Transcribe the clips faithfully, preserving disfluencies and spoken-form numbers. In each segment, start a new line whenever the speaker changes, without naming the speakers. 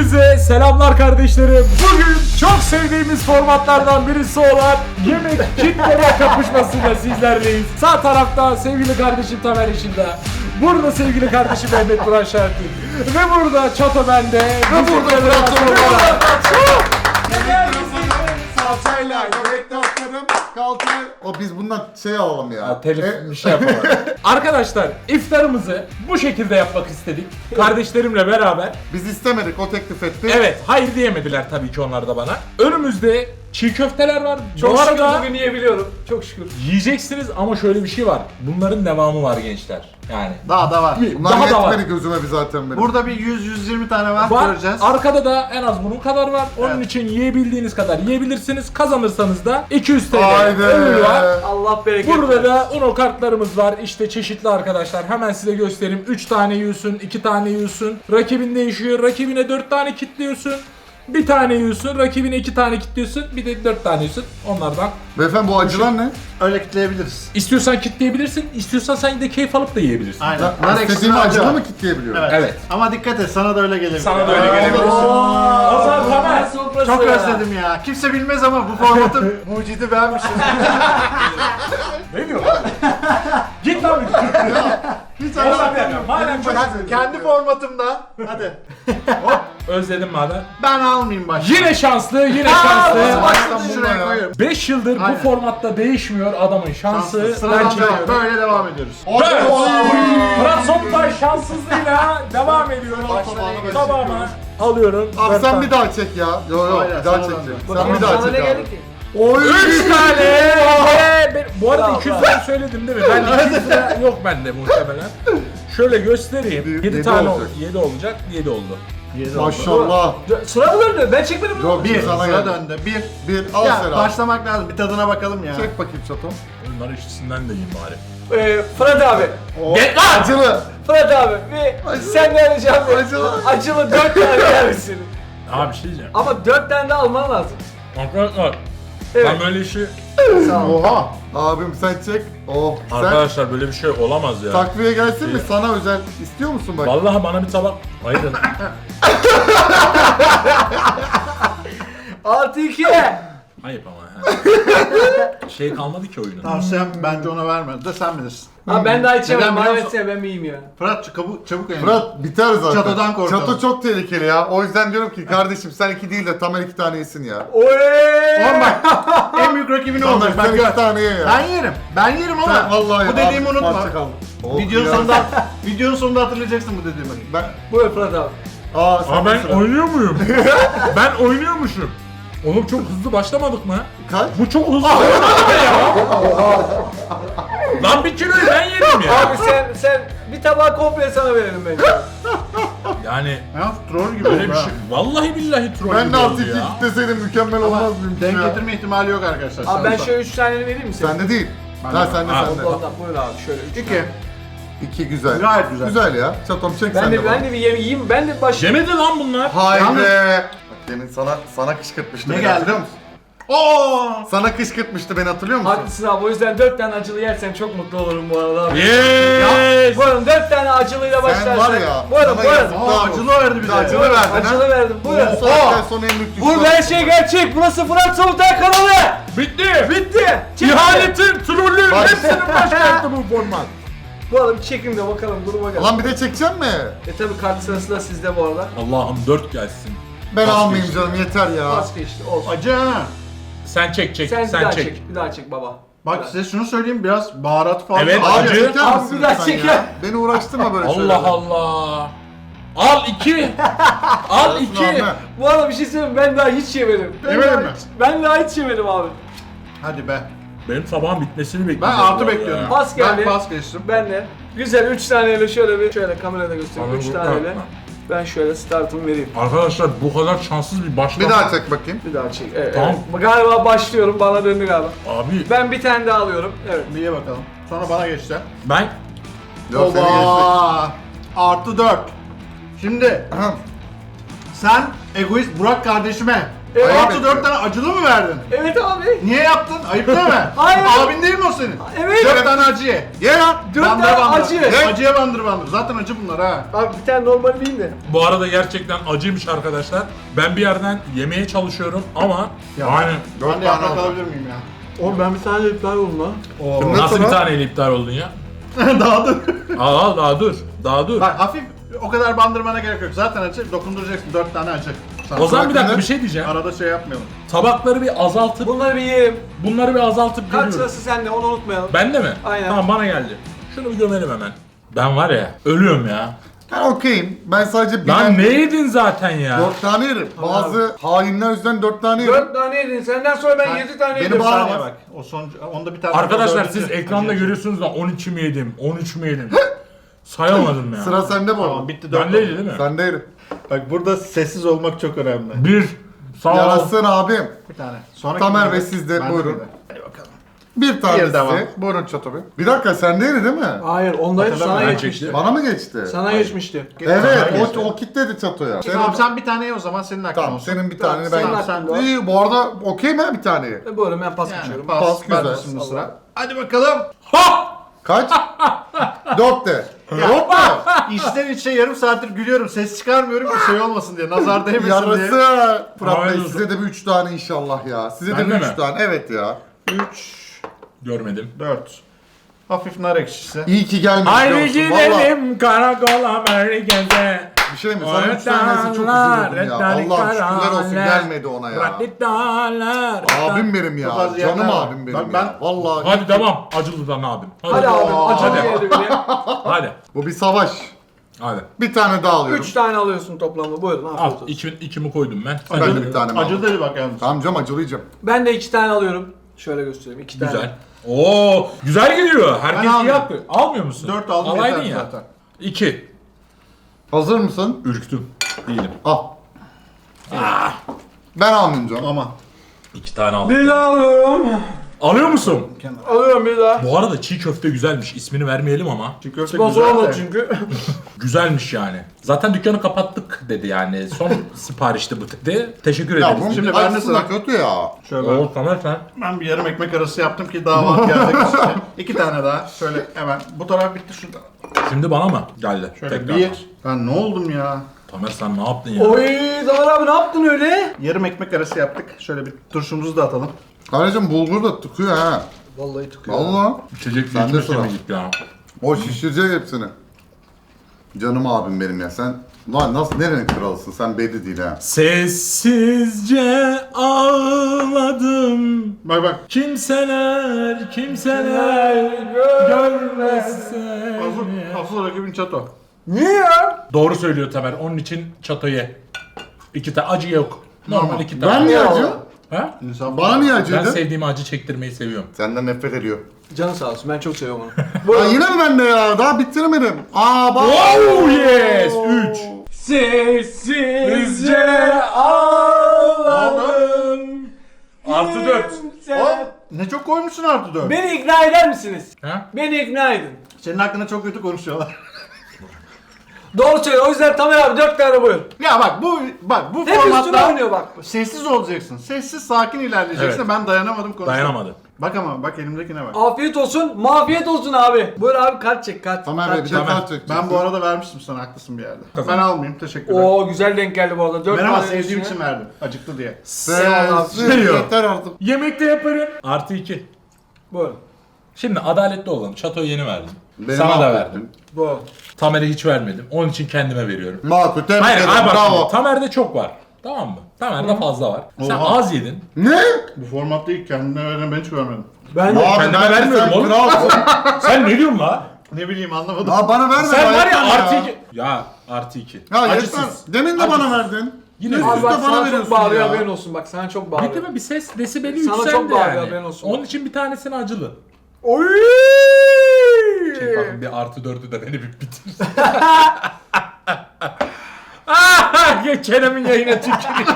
Hepinize selamlar kardeşlerim. Bugün çok sevdiğimiz formatlardan birisi olan yemek kitleme kapışmasıyla sizlerleyiz. Sağ tarafta sevgili kardeşim Tamer Işıl'da. Burada sevgili kardeşim Mehmet Burak Şarkı. Ve burada Çato bende. Ve burada Fırat Torba.
Salçayla göbekte atlarım, kalçayla... O biz bundan şey alalım ya.
Ya, telif bir şey yapalım. Arkadaşlar iftarımızı bu şekilde yapmak istedik. Kardeşlerimle beraber.
Biz istemedik, o teklif etti.
Evet, hayır diyemediler tabii ki onlar da bana. Önümüzde çiğ köfteler var.
Çok
Bu
şükür
arada
bugün yiyebiliyorum. Çok şükür.
yiyeceksiniz ama şöyle bir şey var. Bunların devamı var gençler. Yani.
Daha da var.
Bunlar
Daha da var.
yetmedi gözüme bir zaten benim.
Burada bir yüz yüz yirmi tane var,
Var.
göreceğiz.
Arkada da en az bunun kadar var. Onun
Evet.
için yiyebildiğiniz kadar yiyebilirsiniz. Kazanırsanız da iki yüz T L
Haydi.
ödül var.
Allah bereket
Burada
versin.
da Uno kartlarımız var. İşte çeşitli arkadaşlar. Hemen size göstereyim. üç tane yiyorsun, iki tane yiyorsun. Rakibin değişiyor. Rakibine dört tane kitliyorsun. Bir tane yiyorsun. Rakibine iki tane kitliyorsun. Bir de dört tane yiyorsun. Onlardan.
Beyefendi bu acılar ne?
Öyle kitleyebiliriz.
İstiyorsan kitleyebilirsin. İstiyorsan sen de keyif alıp da yiyebilirsin.
Aynen.
Ya,
Nar
İstediğimi
ekşisi
acılı
acı.
mı kitleyebiliyorum?
Evet.
Evet.
Ama dikkat et, sana da öyle gelebilir.
Sana da öyle gelebilir. O zaman Tamer.
Çok özledim ya. Kimse bilmez ama bu formatın mucidi benmişim.
Ne diyor lan? Git lan.
Hiç
Madem
anlamıyorum.
madem çok
Hadi, kendi formatımda. Hadi.
özledim madem.
Ben almayayım başta.
Yine şanslı, yine şanslı.
Baştan şuraya koyuyorum.
beş yıldır bu
Aynen.
formatta değişmiyor adamın şansı.
Şanslı.
Ben
Sıradan devam.
çekiyorum.
Böyle devam ediyoruz.
Evet. Fırat Sontay şanssızlığıyla devam ediyor.
Başla.
Tamamı alıyorum.
Abi
Dört
sen
tane.
bir daha çek ya. Yo yo
Aynen,
bir daha
sana
çekeceğim.
da.
Sen bir daha
Sana ne
çek
geldi
abi.
ki?
Oy.
Üç tane. Ve ben- bu arada
Bravo,
iki yüz
bravo.
lira söyledim değil mi? Ben iki yüz lira yok bende muhtemelen. Şöyle göstereyim.
Yedi-
yedi
yedi
tane
olacak.
yedi olacak. yedi oldu.
Maşallah.
Dö- Sıra mı döndü? Ben çekmedim mi?
Yok
Bir,
bir sana
sıra
geldi.
döndü. Bir.
Bir al
Ya
Serap.
başlamak lazım. Bir tadına bakalım ya.
Çek bakayım çatom.
Bunlar ikisinden de yiyeyim bari.
Ee, Fırat abi.
Oh,
Gel lan!
acılı.
Fırat abi. Bir senden ricam bir
Acılı.
acılı dört tane yer misin?
Abi bir şey diyeceğim.
Ama dört tane de alman lazım.
Arkadaşlar
Evet.
ben böyle işi...
Sağ ol.
Oha.
Abim sen çek. Oh. Sen
Arkadaşlar böyle bir şey olamaz ya.
takviye gelsin mi? Sana özel istiyor musun bak?
Vallahi bana bir tabak... Hayır.
Artı iki.
Ayıp ama ya. Şey kalmadı ki oyunun.
Tavsiyem bence ona verme. De sen bilirsin.
Abi ben daha içemem.
Neden
Bana
biliyor musun?
versene ben mi yiyeyim ya?
Fırat çabuk çabuk yayın.
Fırat biter zaten.
Çatodan korkalım.
Çato çok tehlikeli ya. O yüzden diyorum ki kardeşim sen iki değil de Tamer iki tane yesin ya.
Oy!
Oğlum bak en büyük rakibin
Tamer
olacak.
sen
Ben,
iki
gör.
tane ye ya.
Ben yerim. Ben yerim ama
Sen vallahi
bu dediğimi
abi,
unutma.
parça kaldı. Oh,
Videonun
ya.
sonunda videonun sonunda hatırlayacaksın bu dediğimi.
Ben...
Buyur Fırat abi.
Aa, sen
Aa ben
sıra.
oynuyor muyum? Ben oynuyormuşum. Oğlum çok hızlı başlamadık mı?
Kaç?
Bu çok hızlı olmadı ya. Lan bir kiloyu ben yedim ya.
Abi sen sen bir tabağı komple sana verelim bence.
Yani
Ya troll gibi
böyle
oldu
bir
ha.
şey. Vallahi billahi troll
Ben
gibi
de
oldu
altı iki
ya.
kitleseydim mükemmel olmaz mıymış
Denk
ya?
getirme ihtimali yok arkadaşlar.
Abi ben
Sen-
şöyle üç tane vereyim mi sana?
Sende değil.
Ben
Ha
de-
sende
Ha,
sende.
Ondan buyur abi şöyle üç.
İki.
İki güzel.
Gayet güzel.
Güzel ya. Çatom çek
Ben
sen
de
de
ben
bana.
de bir yem yiyeyim. Ben de başlayayım.
Yemedi lan bunlar.
Haydi.
Yalnız-
Bak demin sana sana kışkırtmıştı
Ne
beni
geldi?
hatırlıyor musun?
Oo!
Sana kışkırtmıştı beni hatırlıyor musun?
Haklısın abi o yüzden dört tane acılı yersen çok mutlu olurum bu arada abi.
Yes.
Buyurun dört tane acılıyla başlarsak.
var ya,
Buyurun
sana
buyurun.
yazık.
Aa, acılı verdi bir de.
Acılı verdin ha.
Acılı verdim buyurun.
Bu saatten sonra en büyük düşman.
Burada her şey gerçek. Burası Fırat Sontay kanalı.
Bitti.
Bitti. Çekin.
İhanetin, trollün
Bak-
hepsinin başkenti bu format.
Bu arada bir çekin de bakalım dur bakalım.
Lan bir de çekecek mi?
E tabi kart sırası da sizde bu arada.
Allah'ım dört gelsin.
Ben
Pas
almayayım
geçti.
canım yeter ya.
Pas geçti olsun.
Acı ha.
Sen çek çek,
Sen,
sen,
bir daha
çek.
çek. Bir daha çek baba.
Bak size şunu söyleyeyim, biraz baharat fazla.
Evet,
Abi
acı.
çeker
Abi
misin
bir daha
sen
çeker.
ya? Beni uğraştırma böyle şeylerle.
Allah Allah. Al iki. Al
Arasını
iki.
alma.
Bu arada bir şey söyleyeyim ben daha hiç yemedim. Ben
Yemedin
daha
mi?
hiç- Ben daha hiç yemedim abi.
Hadi be.
Benim sabahın bitmesini
Ben
bekliyorum.
artı bekliyorum.
Pas geldi.
Ben pas geçtim.
Ben de. Güzel üç taneyle şöyle bir şöyle kamerada göstereyim.
Abi
üç
bu-
taneyle.
ha.
Ben şöyle startımı vereyim.
Arkadaşlar bu kadar şanssız bir başlama.
Bir daha çek bakayım.
Bir daha çek. Evet,
Tamam.
evet. Galiba başlıyorum. Bana döndü galiba.
Abi
Ben bir tane daha alıyorum. Evet.
Bir ye bakalım. Sonra bana geçti.
ben
Yok seni geçtik.
Oba! Artı dört. Şimdi
Ahem.
sen egoist Burak kardeşime
Evet.
Artı dört tane acılı mı verdin?
Evet abi.
Niye yaptın? Ayıp değil mi?
Hayır.
Abin değil mi o senin?
Evet.
Dört tane acı ye.
Ye lan.
Dört
Bandır
tane
bandır.
acı.
Ye. Acıya bandır bandır. Zaten acı bunlar ha.
Abi bir tane normal değil de.
Bu arada gerçekten acıymış arkadaşlar. Ben bir yerden yemeye çalışıyorum ama yani
Ben de yaprak alabilir miyim ya?
Oğlum ben bir tane iptal oldum lan.
Şimdi
nasıl bir
sonra-
taneyle iptal oldun ya?
Daha dur.
Al al daha dur. Daha dur.
Bak hafif o kadar bandırmana gerek yok. Zaten acı. Dokunduracaksın. Dört tane acı.
O zaman bir dakika
bırakın.
bir şey diyeceğim.
Arada şey yapmayalım.
Tabakları bir azaltıp
Bunları bir yiyelim.
bunları bir azaltıp
Kaç
geliyorum.
sırası sende onu unutmayalım.
Bende mi?
Aynen.
Tamam bana geldi. Şunu bir gömelim hemen. Ben var ya ölüyorum ya.
Ben okeyim. Ben sadece
Lan
bilen
ne yedin zaten ya?
dört tane yerim. Bazı hainler yüzden dört tane yerim.
Dört tane yedin. Senden sonra ben yedi tane
beni
yedim.
bağırma.
Saniye bak. O son onda bir tane.
Arkadaşlar
dördüncü.
siz ekranda görüyorsunuz da on iki mi yedim? on üç mü yedim? Sayamadım ya.
Sıra sende bu
Tamam
arada.
bitti dört.
Bendeydi değil mi?
Sende yerim.
Bak burada sessiz olmak çok önemli.
Bir. Sağ ol.
Yarasın abim.
Bir tane. Sonra
Tamer ve siz de buyurun.
Hadi bakalım.
Bir tane
Bir devam.
size. Buyurun Çato Bey. Bir dakika sendeydi değil mi?
Hayır ondaydı sana
Hatırlamıyorum.
geçmişti.
Bana mı geçti?
Sana geçmişti.
Evet,
Sana geçti.
o, o kitledi Çato'ya. Senin,
Tamam sen bir tane ye o zaman senin hakkın
tamam,
olsun.
senin bir
Tamam,
taneni
senin
ben...
hakkın var.
İyi, bu arada okey mi bir taneye?
E, Buyurun ben pas
Yani
geçiyorum.
pas,
Pas,
ben
güzel.
de şimdi sıra. Hadi bakalım.
Ha!
Kaç? Dört de. Dört de.
İçten içe yarım saattir gülüyorum. Ses çıkarmıyorum ki şey olmasın diye. Nazar değmesin diye.
Yarısı. Fırat
Hayırlı
Bey
olsun.
size de bir üç tane inşallah ya. Size de
Bende
bir üç
mi?
tane. Evet ya.
üç,
Görmedim.
dört. Hafif nar ekşisi.
İyi ki gelmiş.
Haydi
biliyor musun? Vallahi
gidelim karakola merkeze.
bir şey mi? Sana üç tanesi çok üzülürdüm ya. Allah'ım şükürler olsun gelmedi ona ya. Abim benim ya.
Çok az
Canım
yerler var.
abim
Bak
benim
ben-
ya. Vallahi.
Hadi devam. Acılıdan abim. Hadi.
Hadi abi
Aa.
acı
Hadi.
diyelim ya.
Hadi.
Bu bir savaş.
Hadi.
Bir tane daha alıyorum.
Üç tane alıyorsun toplamda buyurun afiyet
Al.
olsun.
İki, ikimi koydum ben.
Ben de bir tane mi
Acı
aldım?
dedi bak yalnız.
Tamam canım acılayacağım.
Ben de iki tane alıyorum. Şöyle göstereyim iki tane.
Güzel. Oo, güzel gidiyor. Herkes iyi
almıyorum.
yapıyor. Almıyor musun?
Dört aldım
Alaydın
yeter
ya.
zaten.
İki.
Hazır mısın?
Ürktüm. Değilim.
Al. Ben almayacağım.
Aman.
İki tane aldım.
Bir daha alıyorum.
Alıyor musun?
Alıyorum bir daha.
Bu arada çiğ köfte güzelmiş. İsmini vermeyelim ama.
Çiğ köfte
Sponsor
güzel
olmadı
de.
çünkü.
Güzelmiş yani. Zaten dükkanı kapattık dedi yani. Son siparişti bu dedi. Teşekkür
Ya
ederiz.
bunun
Şimdi
Şimdi
ben de
acısı da
sıra.
kötü ya.
Şöyle
Oo, Tamer sen.
ben bir yarım ekmek arası yaptım ki daha var gelecek üstüne. İki tane daha. Şöyle hemen. Bu taraf bitti şurada.
Şimdi bana mı geldi?
Şöyle
Tekrar.
bir. Ben ne oldum ya?
Tamer sen ne yaptın ya?
Oy Damar abi ne yaptın öyle?
Yarım ekmek arası yaptık. Şöyle bir turşumuzu da atalım.
Kardeşim bulgur da tıkıyor ha.
Vallahi tıkıyor.
Valla.
İçecek
Sen de
içmesi
sıra.
mi gitti ya?
O şişirecek hepsini. Canım abim benim ya sen. Lan nasıl nerenin kralısın sen belli değil ha.
Sessizce ağladım.
Bak bak.
Kimseler, kimseler görmezse.
Asıl, asıl rakibin çato.
Niye ya?
Doğru söylüyor Tamer. Onun için çatoyu. İki tane acı yok. Normal iki tane.
Ben niye
Ya.
acı?
Ha?
İnsan
Bana niye
Ben
acıydı?
sevdiğim acı çektirmeyi seviyorum.
Senden nefret ediyor.
Canı sağ olsun ben çok seviyorum onu.
Lan
Buyurun.
yine mi bende ya? Daha bitiremedim. Aa bak.
Oh yes! Üç.
Sessizce ağladım.
Artı dört.
Aa, ne çok koymuşsun artı dört.
Beni ikna eder misiniz?
Ha?
Beni ikna edin.
Senin hakkında çok kötü konuşuyorlar.
Doğru söylüyor. O yüzden Tamer abi dört tane buyur.
Ya bak bu bak bu
Hep üstüne
formatta
oynuyor bak.
sessiz olacaksın. Sessiz sakin ilerleyeceksin.
Evet.
Ben dayanamadım konuştum.
Dayanamadı.
Bak ama bak elimdekine bak.
Afiyet olsun, mafiyet olsun abi. Buyur abi kart çek kart.
Tamer
kart
Bey bir
çek.
de
Tamer.
kart çekeceksin.
Ben bu arada vermiştim sana haklısın bir yerde. Ben almayayım teşekkürler.
Oo güzel denk geldi bu arada. Dört
Ben ama
tane
sevdiğim
üstüne.
için verdim. Acıktı diye.
Sensiz
Veriyor.
yeter artık.
Yemekte yaparım. Artı iki.
Buyurun.
Şimdi adaletli olalım. Çatoyu yeni verdim.
Beni
Sana da
mahvettin.
verdim.
Bu.
Tamer'e hiç vermedim. Onun için kendime veriyorum.
Makul tebrik
Hayır,
ederim.
hayır bak
Bravo.
şimdi, Tamer'de çok var. Tamam mı? Tamer'de fazla var. Sen
Oha.
az yedin.
Ne?
Bu formatta ilk kendine veren ben hiç görmedim.
Ben de.
Abi
kendime
bence
vermiyorum
sen
oğlum.
kralsın.
Sen ne diyorsun la?
Ne bileyim anlamadım.
Aa bana verme.
Sen var ya
ayıptır
artı iki. Ya artı iki.
Ya yeter.
Acısız.
Demin de bana verdin.
Yine
Üst
veriyorum.
Abi
üste
bak
bana
sana
veriyorsun
çok bağırıyor
ya.
haberin olsun bak sana çok bağırıyor.
Bitti mi? Bir ses desibeli
Sana
yükseldi
çok bağırıyor,
yani.
haberin olsun.
Onun için bir tanesini acılı.
Oy!
Şey bakın bir artı dördü de beni bir bitir. Ah, ya Kerem'in yayına tüküreyim.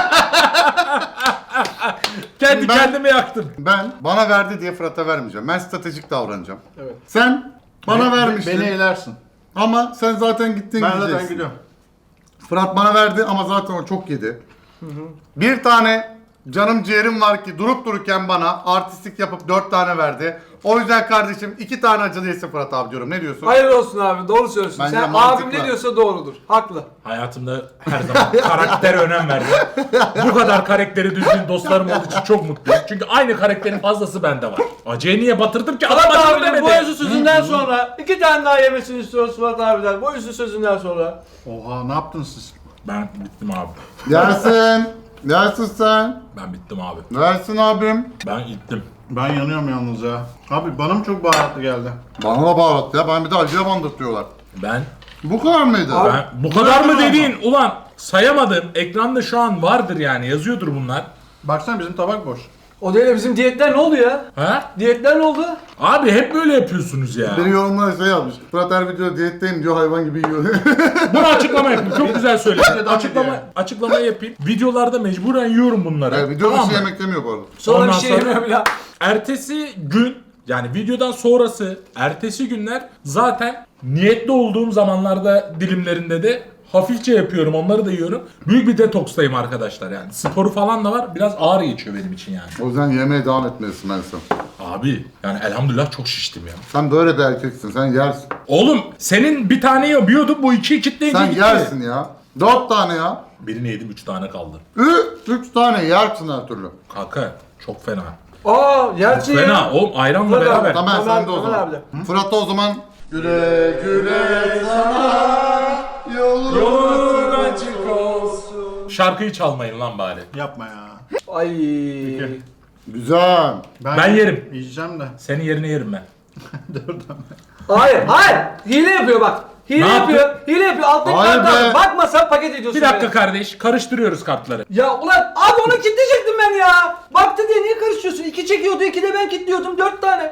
Kendi
Ben-
kendime yaktım.
Ben bana verdi diye Fırat'a vermeyeceğim. Ben stratejik davranacağım.
Evet.
Sen bana
Be-
vermiştin.
Beni elersin.
Ama sen zaten gittin
Ben
gideceksin.
zaten gidiyorum.
Fırat bana verdi ama zaten o çok yedi. Bir tane canım ciğerim var ki durup dururken bana artistlik yapıp dört tane verdi. O yüzden kardeşim iki tane acılı yesin Fırat abi diyorum. Ne diyorsun?
Hayırlı olsun abi, doğru söylüyorsun.
Bence
Sen
mantıklı.
abim ne diyorsa doğrudur. Haklı.
Hayatımda her zaman karaktere önem verdim. Bu kadar karakteri düzgün dostlarım olduğu için çok mutluyum. Çünkü aynı karakterin fazlası bende var. Acıya niye batırdım ki? Adam
Fırat
acılı
abinin
demedi.
bu özlü sözünden sonra iki tane daha yemesini istiyoruz Fırat abiden. Bu özlü sözünden sonra.
Oha ne yaptınız siz?
Ben bittim abi.
Yersin. Yersin sen.
Ben bittim abi.
Versin abim.
Ben gittim.
Ben yanıyorum yalnız ya. Abi bana mı çok baharatlı geldi?
Bana da baharat ya. Ben bir de acıya bandırtıyorlar.
Ben
Bu kadar mıydı?
Ben bu kadar mı dediğin ulan sayamadım. Ekranda şu an vardır yani yazıyordur bunlar.
Baksana bizim tabak boş.
O değil de bizim diyetler ne oldu ya?
Ha?
Diyetler ne oldu?
Abi hep böyle yapıyorsunuz ya.
Biri yorumlara şey yazmış. Fırat her videoda diyetteyim diyor, hayvan gibi yiyor.
Bunu açıklama yapayım. Çok güzel söyledin.
Videodan
Açıklama
video.
açıklamayı yapayım. Videolarda mecburen yiyorum bunları.
Evet, videoda
Tamam
şey
mı?
yemek demiyor bu arada.
Sonra
Ondan
bir şey
sonra-
yemiyorum ya.
Ertesi gün yani videodan sonrası ertesi günler zaten niyetli olduğum zamanlarda dilimlerinde de hafifçe yapıyorum, onları da yiyorum. Büyük bir detokstayım arkadaşlar yani. Sporu falan da var. Biraz ağır geçiyor benim için yani.
O yüzden yemeğe devam etmelisin ben sana.
Abi yani elhamdülillah çok şiştim ya.
Sen böyle bir erkeksin. Sen yersin.
Oğlum senin bir tane yiyordun, bu iki kitleyince
Sen
gitti.
yersin ya. Dört tane ya.
Birini yedim, üç tane kaldı.
Ü, üç tane yersin her türlü.
Kanka çok fena.
Aa, gerçi ya.
Fena oğlum, ayranla
Fırat abi,
beraber.
Tamam
Tamer-
sen de o
Tamer
zaman.
abi de.
Fırat da o zaman. Güle güle sana yolun
açık olsun. Şarkıyı çalmayın lan bari.
Yapma ya.
Ay.
Güzel.
Ben yerim.
Yiyeceğim de.
Senin yerine yerim ben.
Hayır, hayır. Hile yapıyor bak. Hile
Ne
yapıyor. Hile yapıyor. Alttaki
Hayır
kartı
be.
al. Bakmasan paket ediyorsun.
Bir dakika
beni.
kardeş, karıştırıyoruz kartları.
Ya ulan abi onu kilitleyecektim ben ya. Baktı diye niye karışıyorsun? İki çekiyordu, iki de ben kilitliyordum. Dört tane.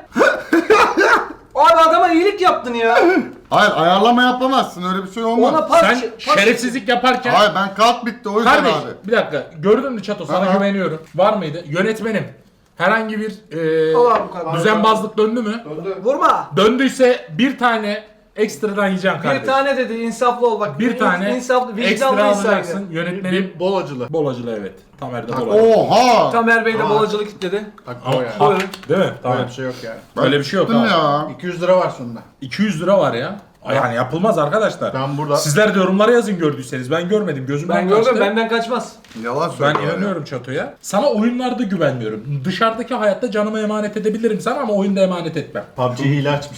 Abi adama iyilik yaptın ya.
Hayır, ayarlama yapamazsın, öyle bir şey olmaz.
Ona pas
Sen
pas-
şerefsizlik yaparken...
Hayır, ben kart bitti o yüzden
Kardeş
abi.
bir dakika, gördün mü Çato, sana
Aha.
güveniyorum. Var mıydı? Yönetmenim. Herhangi bir e,
Allah bu kadar.
düzenbazlık döndü mü?
Vurma.
Döndüyse bir tane ekstradan yiyeceksin kardeş.
Bir tane dedi, insaflı ol bak.
Bir tane
insaflı,
ekstra
vicdanlı insan.
alacaksın. Yönetmenim
Bir bol acılı.
bol acılı, evet. Tamer de bol acılı.
Oha!
Tamer Bey de
Aa.
bolacılık kilitledi.
Bak
Ama-
o ya.
ha,
Buyurun.
değil mi?
Öyle
Tamam.
bir şey yok yani.
Ben
Öyle bir şey yok
bittim
abi.
ya.
iki yüz lira var sonunda.
iki yüz lira var ya. Ay, Yani yapılmaz arkadaşlar.
Ben burada-
Sizler de yorumlara yazın gördüyseniz. Ben görmedim. Gözümden
Ben gördüm,
kaçtı.
benden kaçmaz.
Yalan
Ben
söylüyor.
inanıyorum Çato'ya. Sana oyunlarda güvenmiyorum. Dışarıdaki hayatta canımı emanet edebilirim sana ama oyunda emanet etmem.
P U B G hile açmış.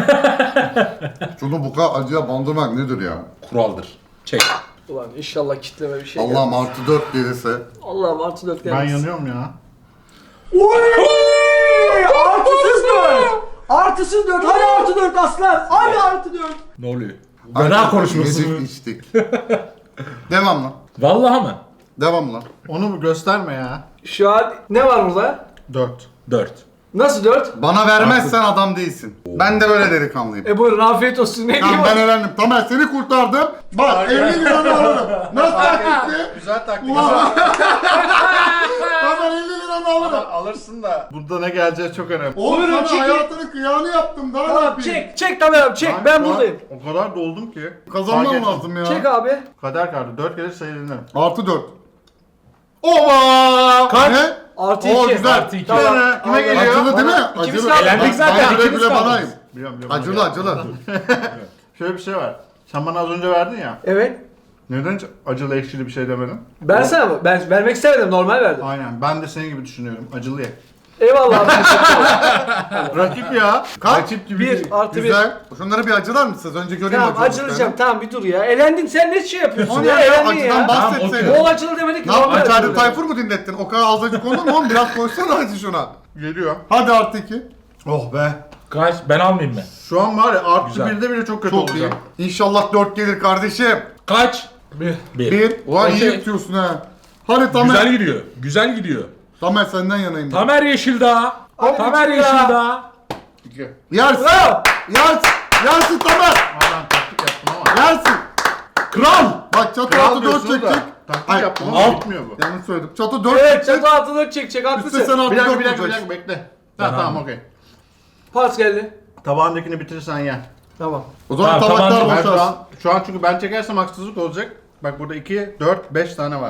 Şunu bu kadar acıya bandırmak nedir ya?
Kuraldır. Çek.
Ulan inşallah kitleme bir şey
Allah'ım artı dört gelirse.
Allah'ım artı dört
Ben
gelmesin.
yanıyorum ya.
Artısız dört. Artısız dört. Hadi artı dört aslan. Hadi artı dört.
Ne oluyor? Gına konuşması mı?
Yedik içtik. Devamla.
Vallahi mı?
Devamla.
Onu bir gösterme ya.
Şu an ne var burada?
dört.
Dört.
Nasıl dört?
Bana vermezsen adam değilsin. Ben de böyle delikanlıyım.
E buyurun afiyet olsun. Ne
Tamam,
diyeyim?
ben öğrendim. Tamer seni kurtardım. Bak elli liranı alırım. Nasıl taktikti?
Güzel taktik.
Ulan. Tamer elli liranı alırım.
Alırsın da burada ne geleceği çok önemli.
Oğlum
Buyurun,
sana
çekin.
hayatının kıyağını yaptım. Daha ne
Tamam
yapayım?
çek. Çek Tamer abi çek. Ben
şu an
buradayım.
O kadar doldum ki.
Kazanmam
Fark ettim.
lazım ya.
Çek abi.
Kader kartı. dört gelir sayılırım.
Artı dört. Ova!
Kaç?
Ne?
Artı
Oo,
iki.
güzel.
Artı iki.
Tamam.
Kime
Allah.
geliyor?
Acılı değil mi?
Bana- İkimiz
Acılı.
kaldık.
Elendik zaten,
Ben
ikimiz
bile
kaldık.
banayım.
Biliyorum, biliyorum.
Acılı acılı.
Şöyle bir şey var. Sen bana az önce verdin ya.
Evet.
Neden hiç acılı ekşili bir şey demedin?
Ben sana mı? Ben vermek istemedim. Normal verdim.
Aynen. Ben de senin gibi düşünüyorum. Acılı ye.
Eyvallah abi. teşekkür ederim.
Rakip ya.
Kaç?
Rakip gibi
Bir
değil.
artı bir.
Güzel. Şunları bir acılar mısınız? Önce göreyim
Tamam
acılı
acılacağım.
olduklarını.
Tamam bir dur ya. Elendin sen ne şey yapıyorsun
O ne
ya?
ya?
Elendin
Acıdan
ya.
bahsetseydin.
Tamam,
Bol acılı demedik ki.
Ne yaptın?
normal
Ferdi
acılı.
Tayfur mu dinlettin? O kadar az acı konu mu oğlum? Biraz koysana acı şuna.
Geliyor.
Hadi artı iki.
Oh be.
Kaç? Ben almayayım mı?
Şu an var ya artı
Güzel.
birde bile çok kötü
Çok iyi.
olacağım.
İnşallah dört gelir kardeşim.
Kaç? Bir. Bir.
Bir. Ulan iyi
Okey.
yutuyorsun ha. Hadi Tamer.
Güzel gidiyor. Güzel gidiyor.
Tamer senden yanayım.
Tamer Yeşildağ.
Hadi
Tamer
ya.
Yeşildağ.
İki.
Yersin.
Bravo.
Yersin. Yersin Tamer.
Aa, ben taktik yaptım ama.
Yersin. Kral. Bak çatı
Kral
altı dört
diyorsunuz da,
çekecek.
taktik
Ay,
yaptım
al.
ama bitmiyor bu.
Yanlış söyledim. Çatı dört
Evet
çekecek.
çatı altına çekecek
Üstte
haklısın.
sen altı
Bir dakika
dört
bir dakika bir
olacaksın.
dakika bekle.
Ben
Ha, tamam
aldım.
okey.
Pas geldi.
Tabağındakini bitirirsen ye.
Tamam.
O zaman
Tamam,
tabaklar
tamam,
Ben şu
boşalsın.
an, şu an çünkü ben çekersem haksızlık olacak. Bak burada iki, dört, beş tane var.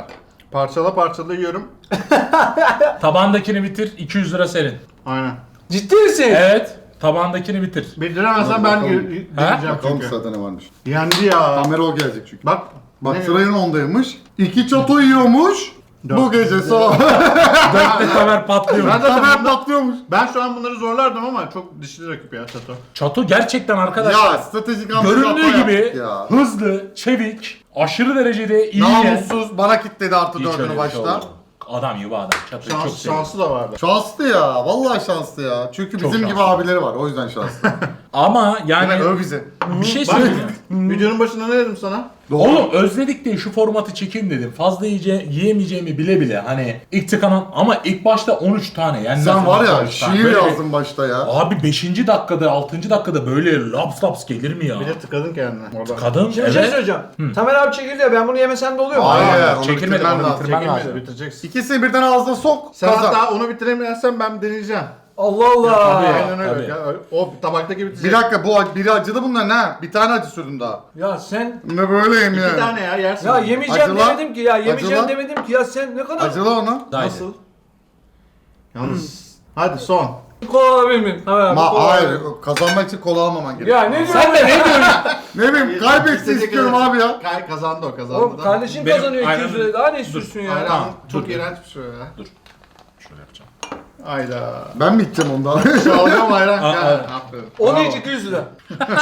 Parçala parçala yiyorum.
Tabandakini bitir, iki yüz lira senin.
Aynen.
Ciddi misin?
Evet, tabandakini bitir.
Bildiremezsen ben
Bakalım.
y- y-
Ha?
deneyeceğim
Bakalım
çünkü.
sırada ne varmış.
Yendi ya.
Kamera o gelecek çünkü.
Bak.
Bak
ne-
sırayın ondaymış. İki çato yiyormuş. Bu
Dört.
gece son.
Dörtte Tamer patlıyor.
Ben zaten
Tamer
bunlar-
patlıyormuş.
Ben şu an bunları zorlardım ama çok dişli rakip ya Çato.
Çato gerçekten arkadaşlar
Ya stratejik hamle
göründüğü
yapma
gibi
yaptık ya.
hızlı, çevik, aşırı derecede iyi.
Namussuz bana kitledi artı
Hiç öyle
dördünü
bir
başta.
şey olmadı. Adam gibi adam. Çato'yu çok
Şans,
seviyorum.
şansı da vardı.
Şanslı ya. Vallahi şanslı ya. Çünkü
Çok
bizim gibi
şanslı.
abileri var. O yüzden şanslı.
Ama yani
Yani öv bizi.
bir şey
Bak
söyleyeyim.
videonun başında ne dedim sana?
Doğru.
Oğlum özledik diye şu formatı çekeyim dedim. Fazla yiyece, yiyemeyeceğimi bile bile hani ilk tıkanan ama ilk başta on üç tane yani
Sen var ya
on üç tane.
şiir
Böyle-
yazdın başta ya.
Abi beşinci dakikada altıncı dakikada böyle laps laps gelir mi ya?
Bir de tıkadın kendine. Orada.
Kadın
Şimdi bir şey
evet.
söyleyeceğim. Tamer abi çekildi ya ben bunu yemesem de oluyor mu?
Hayır.
Aa,
onu
çekilmedi,
bitirmen
onu
lazım.
bitirmen
Çekilmedi,
lazım.
bitireceksin.
İkisini birden ağzına sok.
Sen
kazan.
hatta onu bitiremezsen ben deneyeceğim.
Allah Allah.
Tabii.
Aynen öyle.
tabii.
Ya, o tabaktaki bitecek.
Bir dakika bu ac- biri acılı bunlar ne? Bir tane acı sürdüm daha.
Ya sen
Ne böyleyim
İki
yani.
tane ya yersin.
ya yemeyeceğim
Acılar.
demedim ki ya yemeyeceğim
Acılar.
demedim ki ya sen ne kadar
Acılı onu.
Haydi.
nasıl?
Yalnız. Hadi son.
Kola alabilir miyim? Tamer abi.
Ma
kola
hayır
alabilir miyim?
kazanmak için kola almaman gerekiyor.
Ya ne diyorsun?
Sen de ne diyorsun?
Ne bileyim kaybetsin istiyorum abi ya.
Kay kazandı o kazandı.
Oğlum
da.
kardeşin
Benim-
kazanıyor iki yüz
aynen.
lira. Daha ne istiyorsun ya?
Aynen.
Tamam,
Çok
dur.
iğrenç bir şey ya.
Şöyle yapacağım.
Hayda.
Ben mi içeceğim ondan?
Şalgam ayran.
Aa,
Gel.
evet.
Aferin.
Onu
Bravo.
hiç iki yüz lira.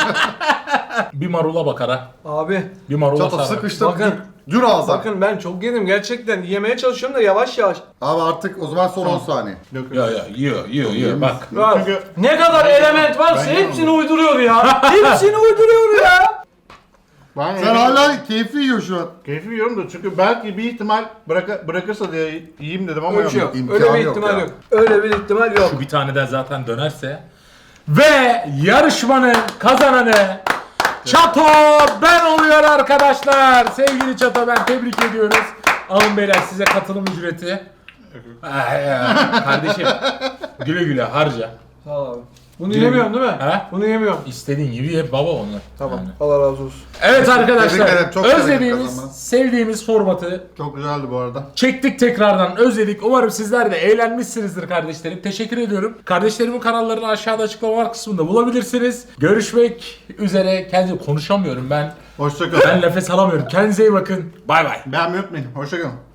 Bir marula bakar ha.
Abi
Bir marula
Çato
sarar.
sıkıştır.
Bakın.
Dür ağza.
bakın ben çok yedim gerçekten. Yemeye çalışıyorum da yavaş yavaş.
Abi artık o zaman son on saniye.
Yok, yok.
Ya ya yiyor yiyor yiyor bak.
Ya,
Çünkü-
ne kadar element varsa
Ben
hepsini uyduruyor ya. hepsini uyduruyor ya.
Ben
Sen
yemin-
hala keyfi yiyor şu an.
Keyfi yiyorum da çünkü belki bir ihtimal bıraka, bırakırsa diye yiyeyim dedim ama
Öyle bir şey
yok.
yok.
İmkanı
Öyle bir
yok
ihtimal
ya.
yok. Öyle bir ihtimal yok.
Şu bir tane de zaten dönerse. Ve yarışmanın kazananı Çato ben oluyor arkadaşlar. Sevgili Çato ben tebrik ediyoruz. Alın beyler size katılım ücreti. Ay ya, kardeşim güle güle harca.
Sağ ol abi. Bunu
Güle
yemiyorum değil mi?
He?
Bunu yemiyorum.
İstediğin gibi ye baba onu.
Tamam.
Yani.
Allah razı olsun.
Evet
Tebrik
arkadaşlar
ederim, çok sevindim
özlediğimiz,
kazanmana.
sevdiğimiz formatı
Çok güzeldi bu arada.
çektik tekrardan özledik. Umarım sizler de eğlenmişsinizdir kardeşlerim. Teşekkür ediyorum. Kardeşlerimin kanallarını aşağıda açıklamalar kısmında bulabilirsiniz. Görüşmek üzere. Kendime konuşamıyorum ben.
Hoşçakalın.
Ben nefes alamıyorum. Kendinize iyi bakın. Bay bay.
Beğenmeyi unutmayın. Hoşçakalın.